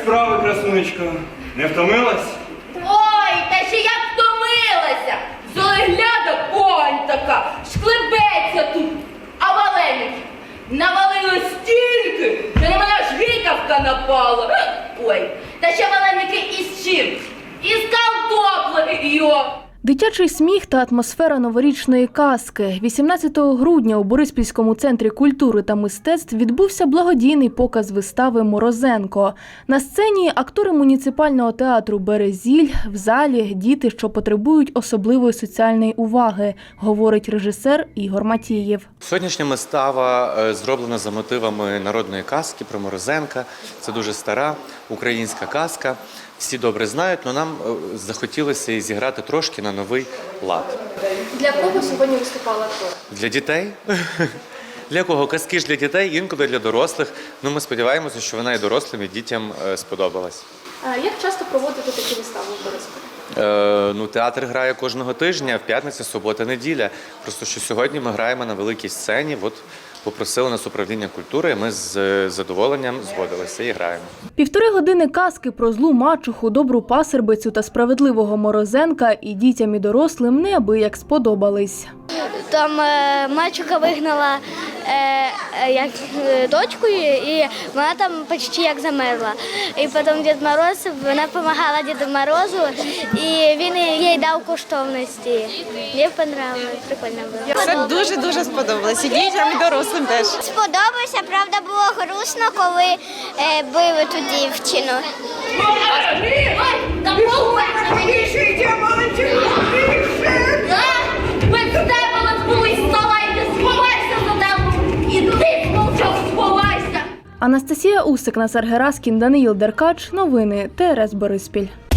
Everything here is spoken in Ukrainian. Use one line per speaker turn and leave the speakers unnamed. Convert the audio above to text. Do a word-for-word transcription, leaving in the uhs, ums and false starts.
справи, красунечко? Не втомилась?
Ой, та ще як втомилася! Золегляда погань така, шклебеться тут, а валеники навалили стільки, що на мене аж гикавка напала. Ой, та ще валеники із чим? Із картоплею.
Дитячий сміх та атмосфера новорічної казки. вісімнадцятого грудня у Бориспільському центрі культури та мистецтв відбувся благодійний показ вистави «Морозенко». На сцені актори муніципального театру «Березіль», в залі діти, що потребують особливої соціальної уваги, говорить режисер Ігор Матієв.
Сьогоднішня вистава зроблена за мотивами народної казки про Морозенка. Це дуже стара українська казка. Всі добре знають, але нам захотілося і зіграти трошки на новий лад.
Для кого сьогодні виступали актори?
Для дітей. Для кого? Казки ж для дітей, інколи для дорослих. Ну, ми сподіваємося, що вона і дорослим, і дітям сподобалась.
Як часто проводите такі вистави в Бориспілі?
Е, ну, театр грає кожного тижня, в п'ятницю, субота, неділя. Просто що сьогодні ми граємо на великій сцені. От попросили нас управління культури, ми з задоволенням згодилися і граємо.
Півтори години казки про злу мачуху, добру пасербицю та справедливого Морозенка і дітям, і дорослим неабияк сподобались.
Там е, мачуха вигнала е, як, е, дочкою, і вона там почти як замерзла. І потім Дід Мороз, вона допомагала Діду Морозу, і він їй дав коштовності. Мені подобалося, прикольно було.
Все дуже-дуже сподобалося, і дітям, і дорослим теж.
Сподобалося, правда, було грустно, коли е, били ту дівчину.
Без тебе нас були вставайте, сховайся за тебе! І ти мовчав, сховайся!
Анастасія Усик, Назар Гераскін, Даниїл Деркач. Новини Т Р С Бориспіль.